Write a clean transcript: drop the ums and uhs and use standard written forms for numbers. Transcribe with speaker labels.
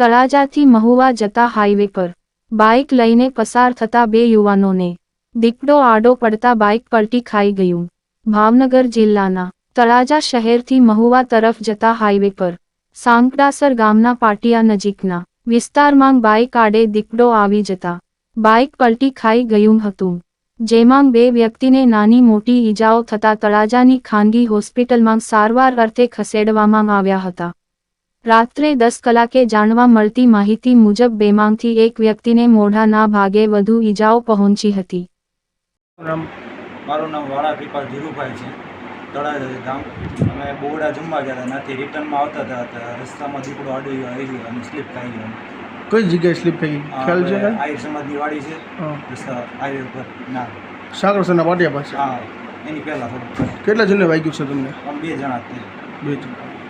Speaker 1: તળાજાથી મહુવા જતા હાઈવે પર બાઇક લઈને પસાર થતા બે યુવાનોને દીપડો આડો પડતા બાઇક પલટી ખાઈ ગયું। ભાવનગર જિલ્લાના તળાજા શહેરથી મહુવા તરફ જતા હાઈવે પર સાંકડાસર ગામના પાટિયા નજીકના વિસ્તારમાં બાઇક આડે દીપડો આવી જતા બાઇક પલટી ખાઈ ગયું હતું, જેમાં બે વ્યક્તિને નાની મોટી ઈજાઓ થતા તળાજાની ખાનગી હોસ્પિટલમાં સારવાર અર્થે ખસેડવામાં આવ્યા હતા। રાત્રે 10 કલાકે જાણવા મળતી માહિતી મુજબ બેમાંથી એક વ્યક્તિને મોઢાના ભાગે વધુ ઈજાઓ પહોંચી હતી।
Speaker 2: મારું નામ વાળા કૃપાલ ધીરુભાઈ છે, તળાજા ગામ। અમે બોવડા જમવા ગયા હતા, ત્યાંથી રિટર્નમાં આવતા હતા, રસ્તામાં દીપડો આડી ગયો અને સ્લીપ ખાઈ ગયો।
Speaker 3: કઈ જગ્યાએ સ્લીપ થઈ ગઈ ખ્યાલ છે?
Speaker 2: આહિર સમાજની વાડી છે, રસ્તા હાઈવે પર ના
Speaker 3: સાગરસરના પાટિયા પાસે।
Speaker 2: હા, એની પહેલાં થોડું।
Speaker 3: કેટલા જણને વાગ્યું છે તમને?
Speaker 2: અમે 2 જણા જ.
Speaker 3: 2 જણ।